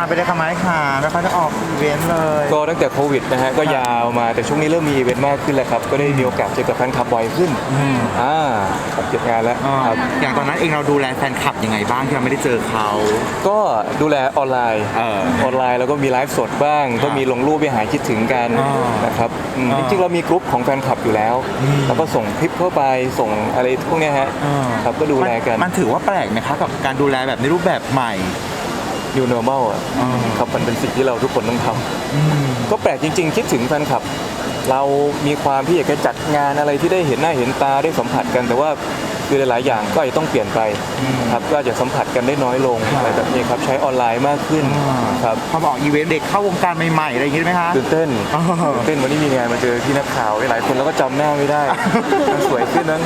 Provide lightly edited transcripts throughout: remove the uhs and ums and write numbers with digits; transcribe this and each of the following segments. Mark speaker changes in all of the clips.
Speaker 1: ไปได้ค่ะไหมค่ะไม่ค่อยได้ออกอีเวนต์เลย
Speaker 2: ก็ตั้งแต่โควิดนะฮะก็ยาวมาแต่ช่วงนี้เริ่มมีอีเวนต์มากขึ้นแล้วครับก็ได้มีโอกาสเจอกับแฟนคลับบ่อยขึ้นเก็บงานแล้วครับ
Speaker 1: อย่างตอนนั้นเองเราดูแลแฟนคลับยังไงบ้างที่เราไม่ได้เจอเขา
Speaker 2: ก็ดูแลออนไลน์แล้วก็มีไลฟ์สดบ้างก็มีลงรูปไปหาคิดถึงกันนะครับจริงๆเรามีกลุ่มของแฟนคลับอยู่แล้วแล้วก็ส่งคลิปเข้าไปส่งอะไรพวกนี้ฮะครับก็ดูแลกัน
Speaker 1: มันถือว่าแปลกไหมคะกับการดูแลแบบในรูปแบบใหม่
Speaker 2: New Normal อ่ะครับมันเป็นสิ่งที่เราทุกคนต้องทำก็แปลกจริงๆคิดถึงแฟนคลับเรามีความที่อยากจะจัดงานอะไรที่ได้เห็นหน้าเห็นตาได้สัมผัสกันแต่ว่าคือหลายๆอย่างก็อาจจะต้องเปลี่ยนไปครับก็อาจจะสัมผัสกันได้น้อยลงอะไรแบบนี้ครับใช้ออนไลน์มากขึ้นครับ
Speaker 1: พอบอกอีเวนต์เด็กเข้าวงการใหม่ๆอะไรอย่างงี้ไหมคะ
Speaker 2: ตื่นเต้นวันนี้มีงานมาเจอที่นักข่าวหลายคนแล้วก็จำหน้าไม่ได้มันสวยขึ้นนั้น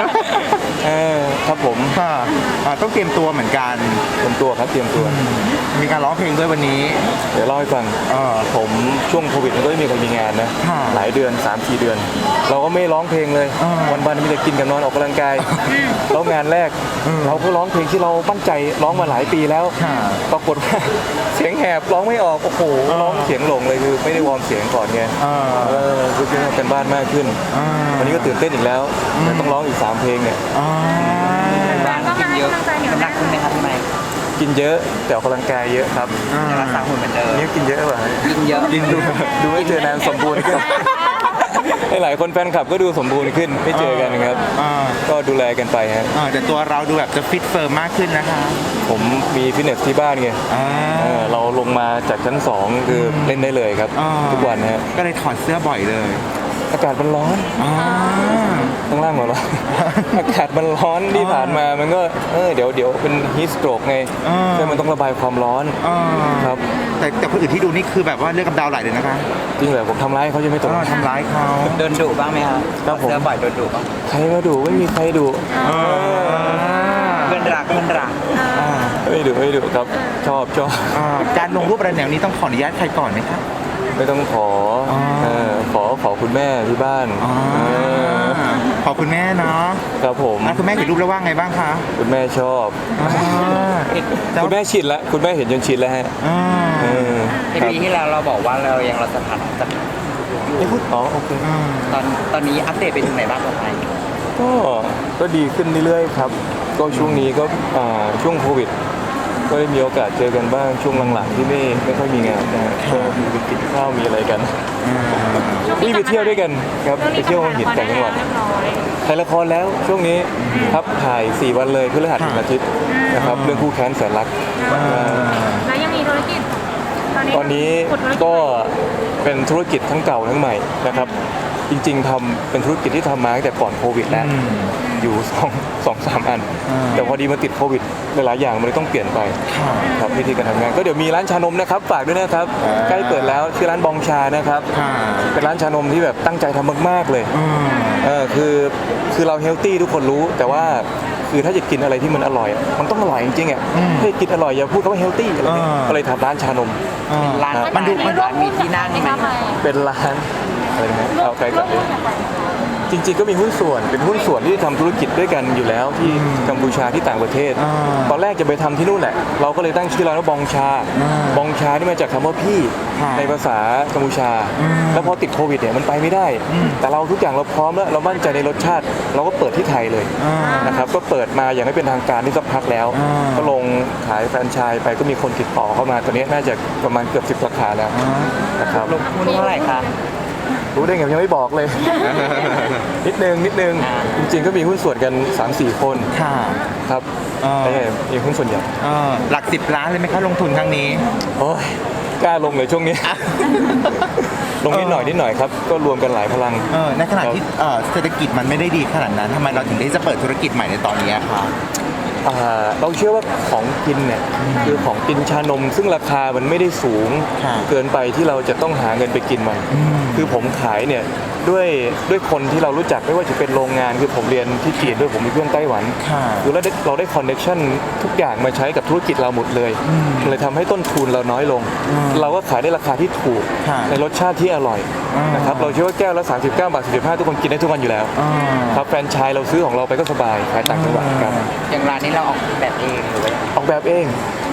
Speaker 2: ครับผม
Speaker 1: ต้องเตรียมตัวเหมือนกัน
Speaker 2: เตรียมตัวครับเตรียมตัว
Speaker 1: มีการร้องเพลงด้วยวันนี้
Speaker 2: เดี๋ยวเล่าให้ฟังผมช่วงโควิดมันก็ไม่มีใครมีงานนะหลายเดือน 3-4 เดือนเราก็ไม่ร้องเพลงเลยวันๆมีแต่กินกับนอนออกกำลังกายแล้วงานแรกเราก็ร้องเพลงที่เรามั่นใจร้องมาหลายปีแล้วปรากฏว่าเสียงแหบร้องไม่ออกโอ้โหร้องเสียงหลงเลยคือไม่ได้วอร์มเสียงก่อนไงคือเรื่องกันบ้านมากขึ้นวันนี้ก็ตื่นเต้นอีกแล้วต้องร้องอีก3เพลงเนี่ย
Speaker 3: บ้านกินเยอะน้ำหนักขึ้นไหมครับพี่ไมค์
Speaker 2: กินเยอะแต่ออกกำลังกายเยอะครับ
Speaker 3: รักษาหุ่นเหมือนเดิม
Speaker 2: นี่กินเยอะป่ะ
Speaker 3: กินเยอะ
Speaker 2: กินดูไม่เจอนานสมบูรณ์ขึ้นหลายคนแฟนคลับก็ดูสมบูรณ์ขึ้นไม่เจอกันครับก็ดูแลกันไปฮะ
Speaker 1: แต่ตัวเราดูแบบจะฟิตเฟิร์มมากขึ้นนะคะ
Speaker 2: ผมมีฟิตเนสที่บ้านไงเราลงมาจากชั้น2คือเล่นได้เลยครับทุกวันฮะ
Speaker 1: ก็เลยถอดเสื้อบ่อยเลย
Speaker 2: อากาศมันร้อนข้างล่างเหรออากาศมันร้อนที่ผ่านมามันก็เดี๋ยวเป็นฮีทสโตรกไงใช่มันต้องระบายความร้อนครับ
Speaker 1: แต่คนอื่นที่ดูนี่คือแบบว่าเลือดกำเดาไหลเลยนะคะ
Speaker 2: จริงเหรอผมทำร้ายเขาจะไม่ตก
Speaker 1: ทำร้ายเขา
Speaker 3: โดนดุบ้างไหมครับ
Speaker 2: ครับผม
Speaker 3: เสื้อบ่อยโดนดุบ้าง
Speaker 2: ใครมาดุไม่มีใครดุ
Speaker 3: เพื่อนรัก
Speaker 2: ไม่ดุครับชอบ
Speaker 1: การลงรูปอะไรแนวนี้ต้องขออนุญาตใครก่อนไหมครับ
Speaker 2: ไม่ต้องขอคุณแม่ที่บ้าน
Speaker 1: ขอคุณแม่เนาะ
Speaker 2: ครับผม
Speaker 1: คุณแม่เห็นรูปแล้วว่าไงบ้างคะ
Speaker 2: คุณแม่ชอบคุณแม่ชินแล้วคุณแม่เห็นจนชินแล้วฮะ
Speaker 3: ปีที่แล้วเราบอกว่าเรายังรักสถานะ
Speaker 2: ไม่พูดโอเค
Speaker 3: ตอนนี้อัปเดตไปถึงไหนบ้างครับไมค์
Speaker 2: ก็ดีขึ้นเรื่อยๆครับก็ช่วงนี้ก็ช่วงโควิดก็ได้มีโอกาสเจอกันบ้างช่วงหลังๆที่ไม่ค่อยมีงานนะก็มีกินข้าวมีอะไรกันนี่ไปเที่ยวด้วยกันครับไปเที่ยวหัวหินแต่างจังหวัดถ่ายละครแล้วช่วงนี้ครับถ่าย4 วันเลยพฤหัสถึงอาทิตย์นะครับเรื่องคู่แค้นแสนรัก
Speaker 4: แล้วยังมีธุรกิจ
Speaker 2: ตอนนี้ก็เป็นธุรกิจทั้งเก่าทั้งใหม่นะครับจริงๆทำเป็นธุรกิจที่ทำมาตั้งแต่ก่อนโควิดแล้วอยู่2-3 อันแต่พอดีมาติดโควิดหลายๆอย่างมันเลยต้องเปลี่ยนไปครับวิธีการทำงานก็เดี๋ยวมีร้านชานมนะครับฝากด้วยนะครับใกล้เปิดแล้วชื่อร้านบองชานะครับเป็นร้านชานมที่แบบตั้งใจทำมากๆเลยคือเราเฮลตี้ทุกคนรู้แต่ว่าคือถ้าจะกินอะไรที่มันอร่อยมันต้องอร่อยจริงๆอ่ะถ้ากินอร่อยอย่าพูดคำว่าเฮลตี้อะไรก็เลยทำร้านชานม
Speaker 3: ร้านมันมีที่นั่งไหม
Speaker 2: เป็นร้านอะไรนะเอาใกล้ก่อนเลยจริงๆก็มีหุ้นส่วนเป็นหุ้นส่วนที่ทำธุรกิจด้วยกันอยู่แล้วที่กัมพูชาที่ต่างประเทศตอนแรกจะไปทำที่นู่นแหละเราก็เลยตั้งชื่อร้านว่าบองชานี่มาจากคำว่าพี่ในภาษากัมพูชาแล้วพอติดโควิดเนี่ยมันไปไม่ได้แต่เราทุกอย่างเราพร้อมแล้วเรามั่นใจในรสชาติเราก็เปิดที่ไทยเลยนะครับก็เปิดมาอย่างไม่เป็นทางการที่สักพักแล้วก็ลงขายแฟรนไชส์ไปก็มีคนติดต่อเข้ามาตอนนี้น่าจะประมาณเกือบ10 สาขาแล้วนะครับ
Speaker 3: ลงทุนเท่าไหร่คะ
Speaker 2: รู้ได้ไงยังไม่บอกเลย นิดนึงจริงๆก็มีหุ้นส่วนกัน 3-4 คนครับมีหุ้นส่วนใหญ่
Speaker 1: หลัก10 ล้านเลยไหมครับลงทุนครั้งนี้
Speaker 2: โอ้ยกล้าลงเลยช่วงนี้ ลงนิดหน่อยครับก็รวมกันหลายพลัง
Speaker 1: ในขณะที่เศรษฐกิจมันไม่ได้ดีขนาดนั้นทำไมเราถึงได้จะเปิดธุรกิจใหม่ในตอนนี้ครับ
Speaker 2: เราเชื่อว่าของกินเนี่ยคือของกินชานมซึ่งราคามันไม่ได้สูงเกินไปที่เราจะต้องหาเงินไปกินมันคือผมขายเนี่ยด้วยคนที่เรารู้จักไม่ว่าจะเป็นโรงงานคือผมเรียนที่จีนด้วยผมมีเพื่อนไต้หวันคือเราได้คอนเนคชั่นทุกอย่างมาใช้กับธุรกิจเราหมดเลยเลยทำให้ต้นทุนเราน้อยลงเราก็ขายได้ราคาที่ถูกในรสชาติที่อร่อยนะครับเราเชื่อว่าแก้วละ39 บาท45ทุกคนกินได้ทุกวันอยู่แล้วครับแฟรนไชส์เราซื้อของเราไปก็สบายขายต่างจังหวัดกัน
Speaker 3: อย่างร้านนี้เราออกแบบเองหรือว่า
Speaker 2: ออกแบบเอง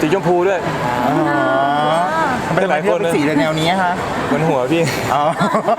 Speaker 2: สีชมพูด้วย
Speaker 1: อ๋อทำไมหลายคนเป็นสีแนวนี้คะ
Speaker 2: เหมือนหัวพี่
Speaker 1: อ๋อ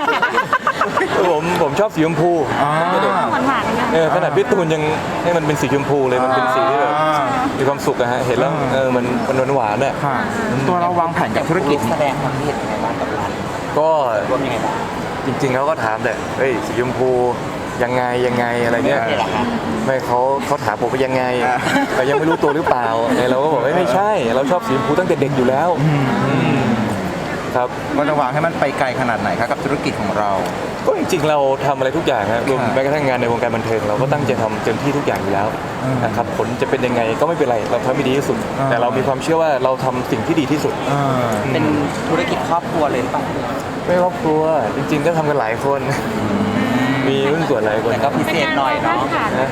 Speaker 2: ผมชอบสีชมพู
Speaker 1: อ๋อ
Speaker 4: หวานๆกัน
Speaker 2: ขนาดพี่ตูนยังให้มันเป็นสีชมพูเลยมันเป็นสีที่แบบมีความสุขอะฮะเห็นแล้วมันหวานๆอะ
Speaker 1: ค่ะตัวเราวางแผนกับธุรกิจ
Speaker 3: แสดงความคิดเห็นยังไงบ้างกับร้าน
Speaker 2: ก็
Speaker 3: รวมยังไงบ้าง
Speaker 2: จริงๆเขาก็ถามแหละเฮ้ยสีชมพูยังไงอะไรเงี้ย
Speaker 3: นี่แหละครับ
Speaker 2: ไม่เขาถามผมว่ายังไงแต่ยังไม่รู้ตัวหรือเปล่าไงเราก็บอกว่าไม่ใช่ เราชอบสีชมพูตั้งแต่เด็กอยู่แล้วครับ
Speaker 1: ก็จะวางให้มันไปไกลขนาดไหนครับกับธุรกิจของเรา
Speaker 2: ก็จริงๆเราทำอะไรทุกอย่างนะรวมแม้กระทั่งงานในวงการบันเทิงเราก็ตั้งใจทำเต็มที่ทุกอย่างอยู่แล้วนะครับผลจะเป็นยังไงก็ไม่เป็นไรเราทำให้ดีที่สุด แต่เรามีความเชื่อว่าเราทำสิ่งที่ดีที่สุด
Speaker 3: เป็นธุรกิจครอบครัวเลยหรือเปล่า
Speaker 2: ไม่ครอบครัวจริงๆก็ทำกันหลายคน มีหุ้นส่วนหลายคน
Speaker 3: แต่ก็พิเศษหน่อยเนาะ
Speaker 4: แบบ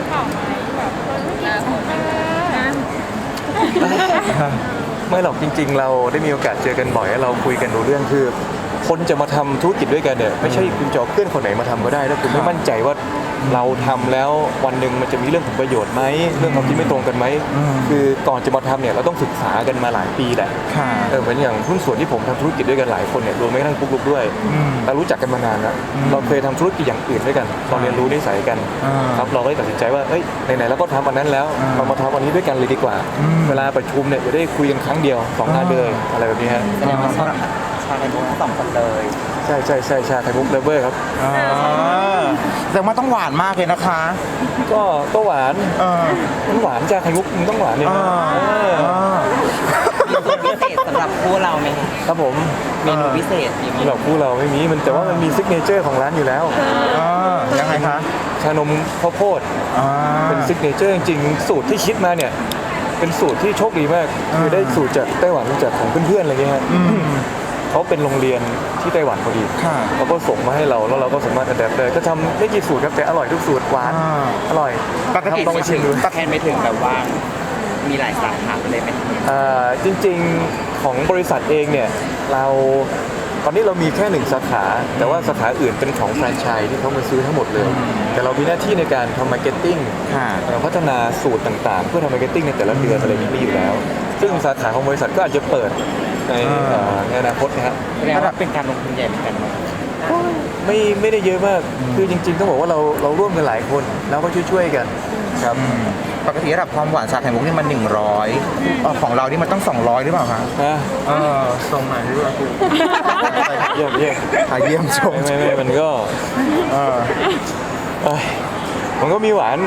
Speaker 2: ไม่หรอกจริง ๆ เราได้มีโอกาสเจอกันบ่อยแล้วเราคุยกันรู้เรื่องคือคนจะมาทำธุรกิจด้วยกันเนี่ยไม่ใช่คุณจะเอาเพื่อนคนไหนมาทำก็ได้ถ้าคุณไม่มั่นใจว่าเราทำแล้ววันหนึ่งมันจะมีเรื่องผลประโยชน์ไหมเรื่องความคิดไม่ตรงกันไหมคือก่อนจะมาทำเนี่ยเราต้องศึกษากันมาหลายปีแหละ
Speaker 1: ค่ะ
Speaker 2: เหมือนอย่างหุ้นส่วนที่ผมทำธุรกิจด้วยกันหลายคนเนี่ยรวมแม้กระทั่งปุ๊กลุกด้วยเรารู้จักกันมานานแล้วเราเคยทำธุรกิจอย่างอื่นด้วยกันเราเรียนรู้นิสัยกันครับเราก็เลยตัดสินใจว่าเอ้ยไหนๆเราก็ทำอันนั้นแล้วเรามาทำอันนี้ด้วยกันเลยดีกว่า เวลาประชุมเนี่ยจะได้คุยกันครั้งเดียว2 งานเลยอะไรแบบนี้ฮะ
Speaker 3: แสดงว่าชาในวงทั้งสองคนเลย
Speaker 2: ใช่ชาไข่มุกเลเวอร์ครับ
Speaker 1: แต่ว่าต้องหวานมากเลยนะคะ
Speaker 2: ก็หวาน
Speaker 1: เ
Speaker 2: มันหวานชาไข่มุกมันต้องหวานเลยนะ
Speaker 3: มีส่วนพิเศษสำหรับคู่เราไหมคะ
Speaker 2: ครับผม
Speaker 3: เมนูพิเศษมีไหม
Speaker 2: สำหรับคู่เราไม่มีมันแต่ว่ามันมีซิกเนเจอร์ของร้านอยู่แล้ว
Speaker 1: ยังไงคะ
Speaker 2: ชานมข้าวโพด
Speaker 1: อ่า
Speaker 2: เป็นซิกเนเจอร์จริงๆสูตรที่คิดมาเนี่ยเป็นสูตรที่โชคดีมากคือได้สูตรจากไต้หวันจากของเพื่อนๆอะไรเงี้ยฮะเขาเป็นโรงเรียนที่ไต้หวันพอดี
Speaker 1: ค่ะ
Speaker 2: เขาก็ส่งมาให้เราแล้วเราก็สามารถอัดแอปได้ก็ทำไม่กี่สูตรครับแต่อร่อยทุกสูตรหวาน
Speaker 1: อ่า
Speaker 2: อร่อย
Speaker 1: ปกติ
Speaker 2: ต้องไปชิมดู
Speaker 3: แทนไปถึงแบบว่ามีหลายสาขาเลยไหม
Speaker 2: จริงๆของบริษัทเองเนี่ยเราตอนนี้เรามีแค่1 สาขา แต่ว่าสาขาอื่นเป็นของแฟรนไชส์ที่เขามาซื้อทั้งหมดเลย แต่เรามีหน้าที่ในการทำมาร์เก็ตติ้ง
Speaker 1: ค่ะ
Speaker 2: พัฒนาสูตรต่างๆ เพื่อทำมาร์เก็ตติ้งในแต่ละเดือนอะไรอย่างนี้อยู่แล้ว ซึ่งสาขาของบริษัทก็อาจจะเปิดในอนาคตนะฮะ
Speaker 3: แสดงว่าเป็นการลงทุนใหญ่เหมือนกันเนอะ
Speaker 2: ไม่ได้เยอะมากคือจริงๆต้องบอกว่าเราร่วมกันหลายคนแล้วก็ช่วยๆกันครับ
Speaker 1: ปกติระดับความหวานชาไข่มุกนี่มัน100ของเรานี่มันต้อง200หรือเปล่าคะ
Speaker 2: นะ
Speaker 1: ตรงไหนหรือเปล่า
Speaker 2: เยี่ยม
Speaker 1: เยี่ยมชม
Speaker 2: ไม่มันก็
Speaker 1: เออ
Speaker 2: เอ้ยมันก็มีหวาน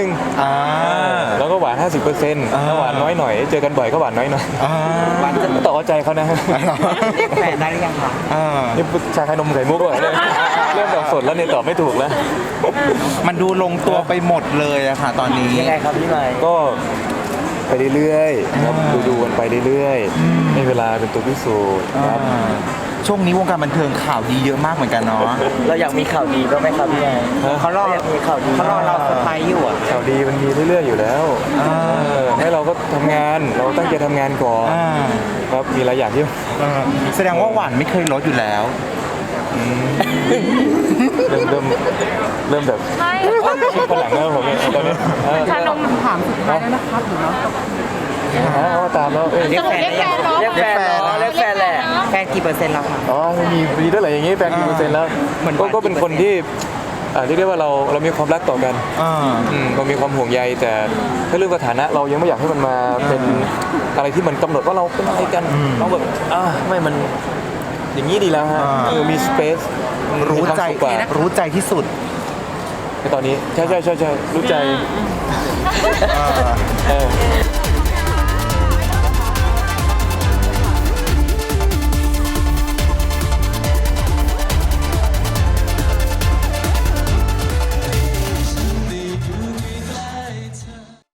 Speaker 2: 100แล้วก็หวาน 50%ถ้าหวานน้อยหน่อยเจอกันบ่อยก็หวานน้อยหน่อย
Speaker 3: หวานจะ
Speaker 2: ต่อใจเขานะ
Speaker 3: เรียกแฟนได้หรือยังคะ
Speaker 2: นี่ชาไข่นมไข่มุกเลยเริ่มแบบสดแล้วเนี่ยตอบไม่ถูกแล้ว
Speaker 1: มันดูลงตัวไปหมดเลยอะค่ะตอนนี้
Speaker 3: ยังไงครับพี่ไมค์
Speaker 2: ก็ไปเรื่อยๆครับดูกันไปเรื่อยๆให้เวลาเป็นตัวพิสูจน์ครับ
Speaker 1: ช่วงนี้วงการบันเทิงข่าวดีเยอะมากเหมือนกันเนาะ
Speaker 3: เราอยากมีข่าวดีบ้างไหมครับพี่ไมค์เขารอมีข่าวดีเขารอเราเซอร์ไพรส์อยู่อ่ะ
Speaker 2: ข่าวดีมันมีเรื่อยๆอยู่แล้วให้เราก็ทำงานเราตั้งใจทำงานก่อนครับมีหลายอย่างที่
Speaker 1: แสดงว่าหวานไม่เคยลดอยู่แล้ว
Speaker 2: เริ่มแบบ
Speaker 4: ไม่
Speaker 2: คิดผลังแล้วผมเนี่ยตอนนี้
Speaker 4: ชานม
Speaker 5: ถามสุดท้ายแล้วนะครับหรือว่า
Speaker 2: เอาตามแล้ว
Speaker 3: เรียกแฟนได้ยังเรียกแฟนเนาะเรียกแฟนแหละแฟนกี่เปอร์เซ็นต์แล้วคะ
Speaker 2: อ๋อมีด้วยอะไรอย่างงี้แฟนกี่เปอร์เซ็นต์แล้ว
Speaker 3: เหมือน
Speaker 2: ก็เป็นคนที่เรียกได้ว่าเรามีความรักต่อกันเรามีความห่วงใยแต่ถ้าเรื่องสถานะเรายังไม่อยากให้มันมาเป็นอะไรที่มันกำหนดว่าเราเป็นอะไรกันเราแบบไม่มันอย่างนี้ดีแล้วฮะมีสเปซ
Speaker 1: รู้ใจ
Speaker 2: กว่า
Speaker 1: รู้ใจที่สุด
Speaker 2: ในตอนนี้ใช่รู้ใจ